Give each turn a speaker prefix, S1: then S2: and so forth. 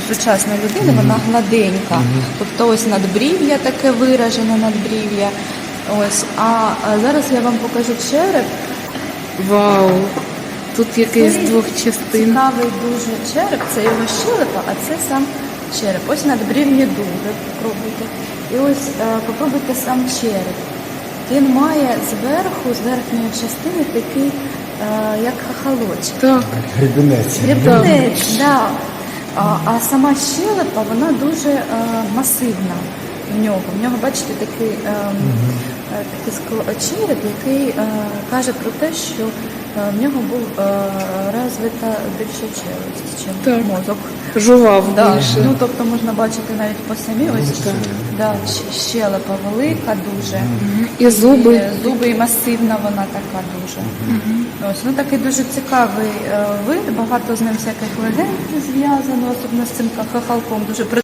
S1: сучасна людина, вона гладенька. Тобто ось надбрів'я таке виражене надбрів'я. Ось, а зараз я вам покажу череп.
S2: Вау! Тут якийсь з двох частин.
S1: Цікавий дуже череп, це його щелепа, а це сам череп. Ось надбрівні дуги, попробуйте. І ось попробуйте сам череп. Він має зверху, з верхньої частини такий, як хахалочок.
S2: Так.
S3: Гребінець.
S1: Гребінець, да. А сама щелепа, вона дуже масивна в нього. В нього, бачите, такий череп, який каже про те, що в нього був розвита більша челюсть, ніж
S2: Так.
S1: мозок.
S2: Жував
S1: Да.
S2: більше.
S1: Ну, тобто можна бачити навіть по самій, ось да, щелепа велика дуже.
S2: І зуби.
S1: Зуби і масивна вона така дуже. Ось, ну такий дуже цікавий вид, багато з ним всяких легенд зв'язано, особливо з цим хахалком. Дуже